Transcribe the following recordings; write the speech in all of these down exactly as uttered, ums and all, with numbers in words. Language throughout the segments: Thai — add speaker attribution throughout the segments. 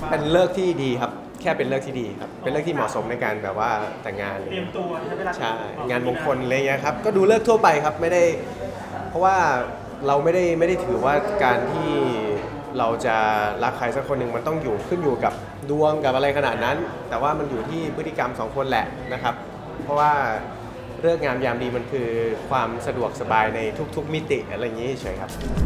Speaker 1: เป็นเลิกที่ดีครับแค่เป็นเลิกที่ดีครับเป็นเลิกที่เหมาะสมในการแบบว่าแต่งงาน
Speaker 2: เตรียมตัวใช้เวลา
Speaker 1: ใช่งานมงคลอะไรเงี้ยครับก็ดูเลิกทั่วไปครับไม่ได้เพราะว่าเราไม่ได้ไม่ได้ถือว่าการที่เราจะรักใครสักคนหนึ่งมันต้องอยู่ขึ้นอยู่กับดวงกับอะไรขนาดนั้น แต่ว่ามันอยู่ที่พฤติกรรมสองคนแหละนะครับ เพราะว่าเลิกงามยามดีมันคือความสะดวกสบายในทุกๆมิติอะไรอย่างนี้เฉยครับ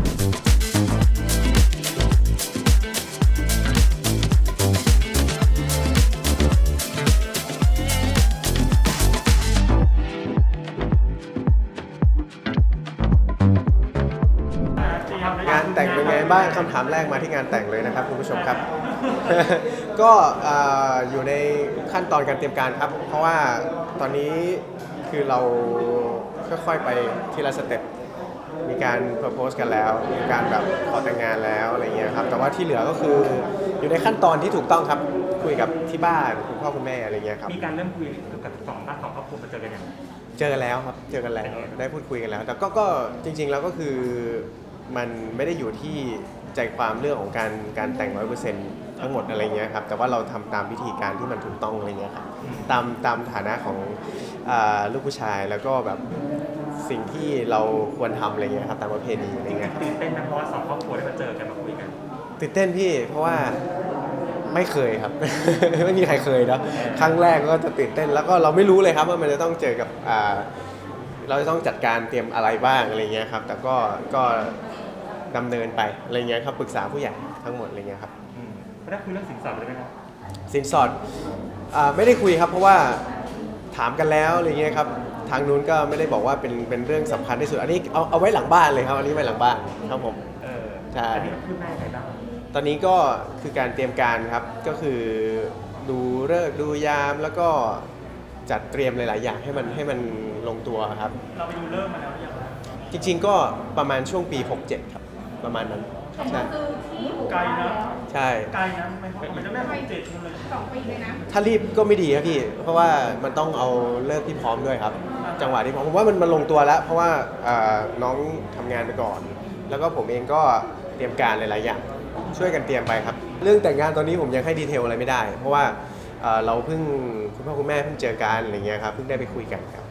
Speaker 1: งานแต่งเป็นไงบ้างคำถามแรกมาที่งานแต่งเลยนะครับคุณผู้ชมครับ ก็อยู่ในขั้นตอนการเตรียมการครับเพราะว่าตอนนี้คือเราค่อยๆไปทีละสเต็ปมีการ propose กันแล้วมีการแบบขอแต่งงานแล้วอะไรเงี้ยครับแต่ว่าที่เหลือก็คืออยู่ในขั้นตอนที่ถูกต้องครับคุยกับที่บ้านคุณพ่อคุณแม่อะไรเงี้ยครับ
Speaker 2: มีการเริ่มคุยกับสองบ้านสองครอบครัวมาเจอกันยัง
Speaker 1: เจอกันแล้วครับเจอกันแล้วได้พูดคุยกันแล้วแต่ก็ก็จริงๆแล้วก็คือมันไม่ได้อยู่ที่ใจความเรื่องของการการแต่งร้อยเปอร์เซ็นต์ทั้งหมดอะไรเงี้ยครับแต่ว่าเราทำตามวิธีการที่มันถูกต้องอะไรเงี้ยครับตามตามฐานะของลูกผู้ชายแล้วก็แบบสิ่งที่เราควรทำอะไรเงี้ยครับตามประเพณีอะไรเงี้ย
Speaker 2: ตื่นเต้นนะเพราะว่าสองครอบครัวได้มาเจอกันมาคุยกัน
Speaker 1: ตื่นเต้นพี่เพราะว่าไม่เคยครับ ไม่มีใครเคยเนาะครั้งแรกก็จะตื่นเต้นแล้วก็เราไม่รู้เลยครับว่ามันจะต้องเจอกับเราจะต้องจัดการเตรียมอะไรบ้างอะไรเงี้ยครับแต่ก็ก็ดำเนินไปอะไรเงี้ยครับปรึกษาผู้ใหญ่ทั้งหมดอะไรเงี้ยครับ
Speaker 2: ไม่ได้คุยเรื่องสินสอดเลยไหมครับ
Speaker 1: สินสอดไม่ได้คุยครับเพราะว่าถามกันแล้วอะไรเงี้ยครับทางนู้นก็ไม่ได้บอกว่าเป็นเป็นเรื่องสำคัญที่สุดอันนี้เอาเอาไว้หลังบ้านเลยครับอันนี้ไว้หลังบ้านครับผม
Speaker 2: ใช่อันนี้คือแม่ใครบ้าง
Speaker 1: ตอนนี้ก็คือการเตรียมการครับก็คือดูฤกษ์ดูยามแล้วก็จัดเตรียมหลายๆอย่างให้มันให้มันลงตัวครับ
Speaker 2: เราไปดูเริ่มมาแล้วหรือยัง
Speaker 1: จริงๆก็ประมาณช่วงปีหกเจ็ดครับประมาณนั้น
Speaker 3: ใช่
Speaker 2: ไกลนะ
Speaker 1: ใช่
Speaker 2: ไกลนะไม่ไม่จะแม่หกเจ็ดเลย
Speaker 3: สองปีเลยนะ
Speaker 1: ถ้ารีบก็ไม่ดีครับพี่เพราะว่ามันต้องเอาเลิกที่พร้อมด้วยครับจังหวะที่พร้อมผมว่ามันมันลงตัวแล้วเพราะว่าน้องทำงานไปก่อนแล้วก็ผมเองก็เตรียมการหลายๆอย่างช่วยกันเตรียมไปครับเรื่องแต่งงานตอนนี้ผมยังให้ดีเทลอะไรไม่ได้เพราะว่าเราเพิ่งคุณพ่อคุณแม่เพิ่งเจอกันอะไรเงี้ยครับเพิ่งได้ไปคุยกันครับ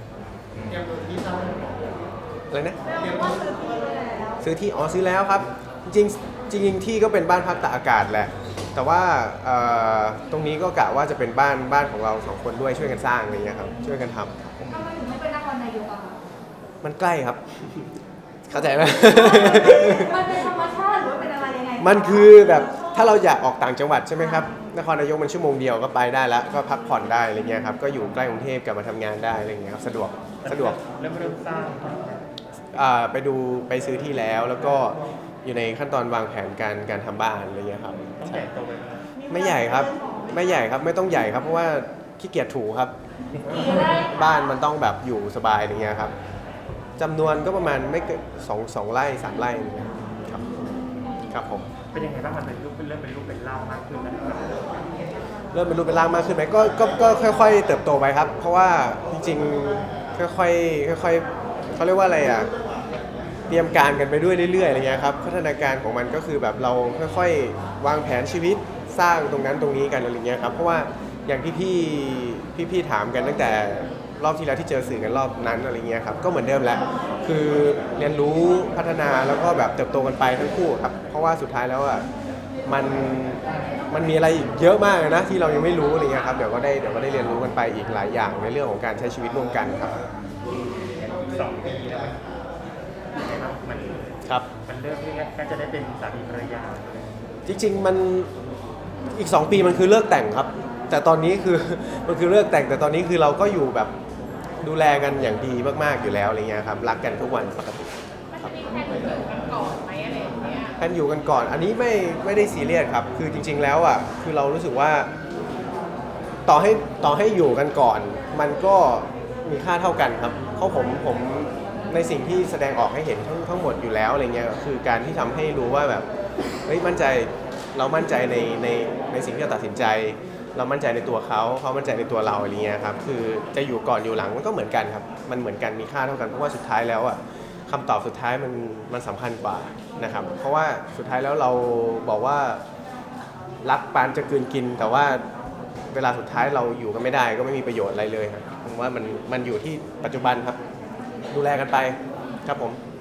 Speaker 1: อะไรนะซื้อที่อ๋อซื้อแล้วครับจริงจริงที่ก็เป็นบ้านพักตากอากาศแหละแต่ว่าตรงนี้ก็กะว่าจะเป็นบ้านบ้านของเราสองคนด้วยช่วยกันสร้างอะไรเงี้ยครับช่วยกันทำ
Speaker 3: ทำไมถึงไม่เป็นนครนายกอะคะ
Speaker 1: มันใกล้ครับเข้าใจไหม
Speaker 3: มันเป็นธรรมชาติหรือว่าเป็นอะไรยังไง
Speaker 1: มันคือแบบถ้าเราอยากออกต่างจังหวัดใช่ไหมครับนครนายกมันชั่วโมงเดียวก็ไปได้แล้วก็พักผ่อนได้อะไรเงี้ยครับก็อยู่ใกล้กรุงเทพกลับมาทำงานได้อะไรเงี้ยครับสะดวกสะดวก
Speaker 2: เริ่มเริ่มสร้าง
Speaker 1: ไปดูไปซื้อที่แล้วแล้วก็อยู่ในขั้นตอนวางแผนการการทำบ้านอะไรเงี้ยครับ
Speaker 2: ใหญ่โตไป
Speaker 1: ไม่ใหญ่ครับไม่ใหญ่ครับไม่ต้องใหญ่ครับเพราะว่าขี้เกียจถูครับบ้านมันต้องแบบอยู่สบายอะไรเงี้ยครับจำนวนก็ประมาณไม่เกินสองสองไร่สามไร่ครับครับผม
Speaker 2: เป็นยังไงบ้างมันเป็นรูปเป็นเริ่มเป็นรูปเป็นร่างมากขึ้นไหม
Speaker 1: เริ่มเป็นรูปเป็นร่างมากขึ้นไหมก็ก็ก็ค่อยๆเติบโตไปครับเพราะว่าจริงๆค่อยๆค่อยๆเขาเรียกว่าอะไรอ่ะเตรียมการกันไปด้วยเรื่อยๆอะไรเงี้ยครับพัฒนาการของมันก็คือแบบเราค่อยๆวางแผนชีวิตสร้างตรงนั้นตรงนี้กันอะไรเงี้ยครับเพราะว่าอย่างที่พี่พี่ๆถามกันตั้งแต่รอบที่แล้วที่เจอสื่อกันรอบนั้นอะไรเงี้ยครับก็เหมือนเดิมแหละคือเรียนรู้พัฒนาแล้วก็แบบเติบโตกันไปทั้งคู่ครับเพราะว่าสุดท้ายแล้วอ่ะมันมันมีอะไรอีกเยอะมากนะที่เรายังไม่รู้อะไรเงี้ยครับเดี๋ยวก็ได้เดี๋ยวก็ได้เรียนรู้กันไปอีกหลายอย่างในเรื่องของการใช้ชีวิตร่วมกันครับ
Speaker 2: สองปีแล้วมัน
Speaker 1: ครับ
Speaker 2: มันเริ่มที่แค่จะได้เป็นสามีภรรยา
Speaker 1: จริงๆมันอีกสองปีมันคือเลิกแต่งครับแต่ตอนนี้คือมันคือเลิกแต่งแต่ตอนนี้คือเราก็อยู่แบบดูแลกันอย่างดีมากๆอยู่แล้วอะไรเงี้ยครับรักกันทุกวันปกติ
Speaker 3: ครับแพนอยู่กันก่อนไหมอะไรอย่างเงี้ย
Speaker 1: แพนอยู่กันก่อนอันนี้ไม่ไม่ได้ซีเรียสครับคือจริงๆแล้วอ่ะคือเรารู้สึกว่าต่อให้ต่อให้อยู่กันก่อนมันก็มีค่าเท่ากันครับเพราะผมผมในสิ่งที่แสดงออกให้เห็นทั้งทั้งหมดอยู่แล้วอะไรเงี้ยคือการที่ทำให้รู้ว่าแบบเฮ้ยมั่นใจเรามั่นใจในในในสิ่งที่เราตัดสินใจเรามั่นใจในตัวเขาเขามั่นใจในตัวเราอะไรเงี้ยครับคือจะอยู่ก่อนอยู่หลังมันก็เหมือนกันครับมันเหมือนกันมีค่าเท่ากันเพราะว่าสุดท้ายแล้วอ่ะคำตอบสุดท้ายมันมันสำคัญกว่านะครับเพราะว่าสุดท้ายแล้วเราบอกว่ารักปานจะกลืนกิน แต่ว่าเวลาสุดท้ายเราอยู่กันไม่ได้ก็ไม่มีประโยชน์อะไรเลยครับผมว่ามันมันอยู่ที่ปัจจุบันครับดูแลกันไปครับผม